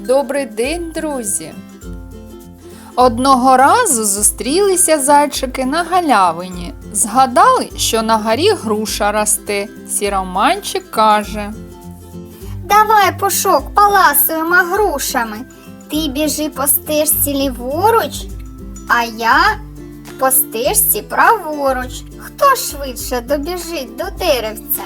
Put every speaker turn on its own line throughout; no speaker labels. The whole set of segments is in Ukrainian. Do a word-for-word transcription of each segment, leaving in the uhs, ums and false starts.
Добрий день, друзі! Одного разу зустрілися зайчики на галявині. Згадали, що на горі груша росте. Сіроманчик каже:
Давай, Пушок, поласуємо грушами. Ти біжи по стежці ліворуч, а я по стежці праворуч. Хто швидше добіжить до деревця?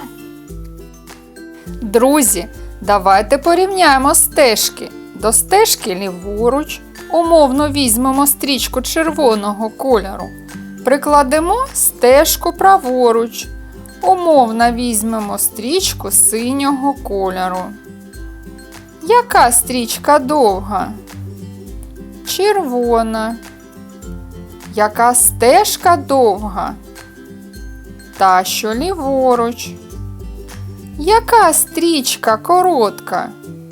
Друзі, давайте порівняємо стежки. До стежки ліворуч умовно візьмемо стрічку червоного кольору. Прикладемо стежку праворуч. Умовно візьмемо стрічку синього кольору. Яка стрічка довга? Червона. Яка стежка довга? Та, що ліворуч. Яка стрічка коротка?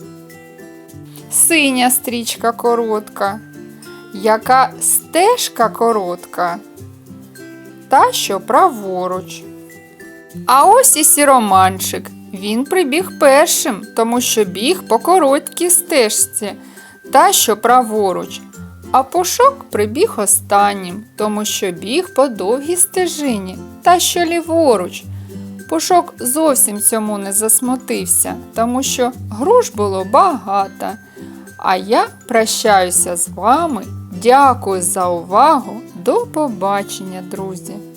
Синя стрічка коротка. Яка стежка коротка? Та, що праворуч. А ось і сіроманчик. Він прибіг першим, тому що біг по короткій стежці, та, що праворуч. А Пушок прибіг останнім, тому що біг по довгій стежині, та, що ліворуч. Пушок зовсім цьому не засмутився, тому що груш було багато. А я прощаюся з вами. Дякую за увагу. До побачення, друзі!